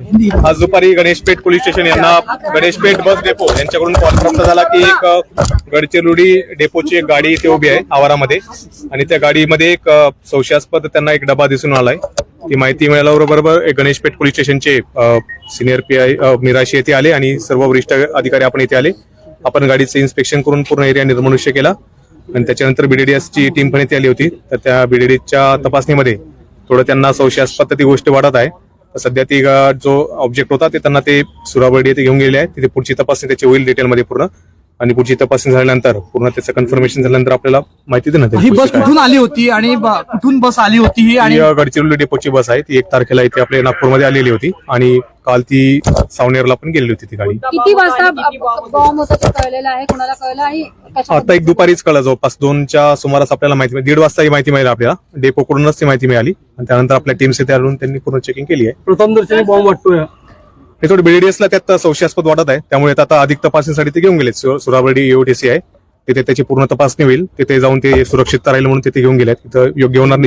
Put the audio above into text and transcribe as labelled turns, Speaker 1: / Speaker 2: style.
Speaker 1: आज दुपारी Ganeshpeth police station यांना गणेशपेठ बस डेपो यांच्याकडून कॉल प्राप्त झाला की एक गडचिरोली डेपोची एक गाडी इथे उभी आहे आवारामध्ये आणि त्या गाडीमध्ये एक संशयास्पद त्यांना एक डबा दिसून आलाय. ती माहिती मिळाल्याबरोबर गणेशपेठ पोलीस स्टेशनचे सिनियर पीआय मिराशी येथे आले आणि सर्व वरिष्ठ अधिकारी आपण इथे आले. आपण गाडीचं इन्स्पेक्शन करून पूर्ण एरिया निर्मनुष्य केला आणि त्याच्यानंतर BDDS ची टीम पण इथे आली होती. तर त्या BDDSच्या तपासणीमध्ये थोडं त्यांना संशयास्पद ती गोष्ट वाटत आहे. सध्या ती जो ऑब्जेक्ट होता ते त्यांना ते सुराबर्डी येथे घेऊन गेले आहे. तिथे पुढची तपासणी त्याची होईल डिटेलमध्ये पूर्ण आणि पुढची तपासणी झाल्यानंतर पूर्ण त्याचं कन्फर्मेशन झाल्यानंतर आपल्याला माहिती देण्यात येईल.
Speaker 2: ही बस कुठून आली होती आणि कुठून बस आली होती ही? आणि
Speaker 1: गडचिरोली डेपोची बस आहे. ती 1 तारखेला इथे आपल्या नागपूरमध्ये आलेली होती आणि काल ती सावनेरला पण गेलेली होती ती गाडी.
Speaker 3: किती वाजता बॉम्ब होता ते कळलेलं आहे? कोणाला कळलं आहे?
Speaker 1: आता एक दुपारीच कळलं, जवळपास 2च्या सुमारास आपल्याला माहिती मिळाली. 1:30 वाजता ही माहिती मिळाली आपल्याला. डेपोकडूनच ती माहिती मिळाली आणि त्यानंतर आपल्या टीम्स इथे आढळून त्यांनी पूर्ण चेकिंग केली आहे.
Speaker 2: प्रथम दर्शनी बॉम्ब वाटतोय
Speaker 1: हे थोडं BDDSला त्यात संशयास्पद वाटत आहे. त्यामुळे आता अधिक तपासणीसाठी ते घेऊन गेले. सुराबर्डी EOTC आहे तिथे त्याची पूर्ण तपासणी होईल. तिथे जाऊन ते सुरक्षितता राहील म्हणून तिथे घेऊन गेले. तिथं योग्य होणार